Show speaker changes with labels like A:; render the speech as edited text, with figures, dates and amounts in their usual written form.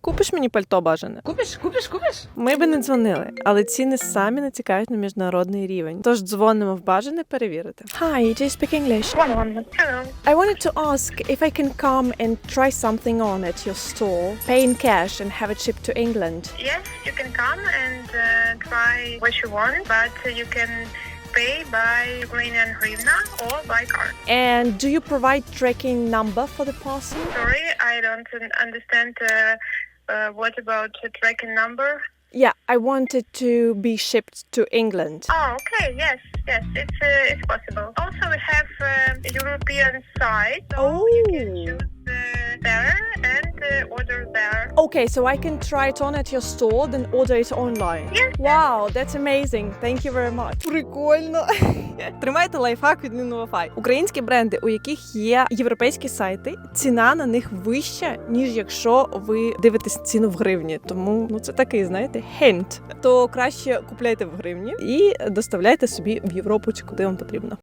A: Купиш мені пальто бажане?
B: Купиш?
A: Ми би не дзвонили, але ціни самі натякають на міжнародний рівень. Тож дзвонимо в бажане перевірити. Hi, do you speak English?
C: Hello.
A: I wanted to ask if I can come and try something on at your store, pay in cash and have it shipped to England.
C: Yes, you can come and try what you want, but you can pay by Ukrainian hryvnia or by card.
A: And do you provide tracking number for the parcel?
C: Sorry, I don't understand what about the tracking number.
A: Yeah, I wanted to be shipped to England.
C: Oh, okay, yes, it's possible. Also, we have European site, so you can choose there and order there.
A: Okay, so I can try it on at your store, then order it online.
C: Yes.
A: Wow, that's amazing. Thank you very much. Прикольно. Тримайте лайфхак від Nino Wi-Fi. Українські бренди, у яких є європейські сайти, ціна на них вища, ніж якщо ви дивитесь ціну в гривні. Тому, це такий, знаєте, хент. То краще купляйте в гривні і доставляйте собі в Європу, чи куди вам потрібно.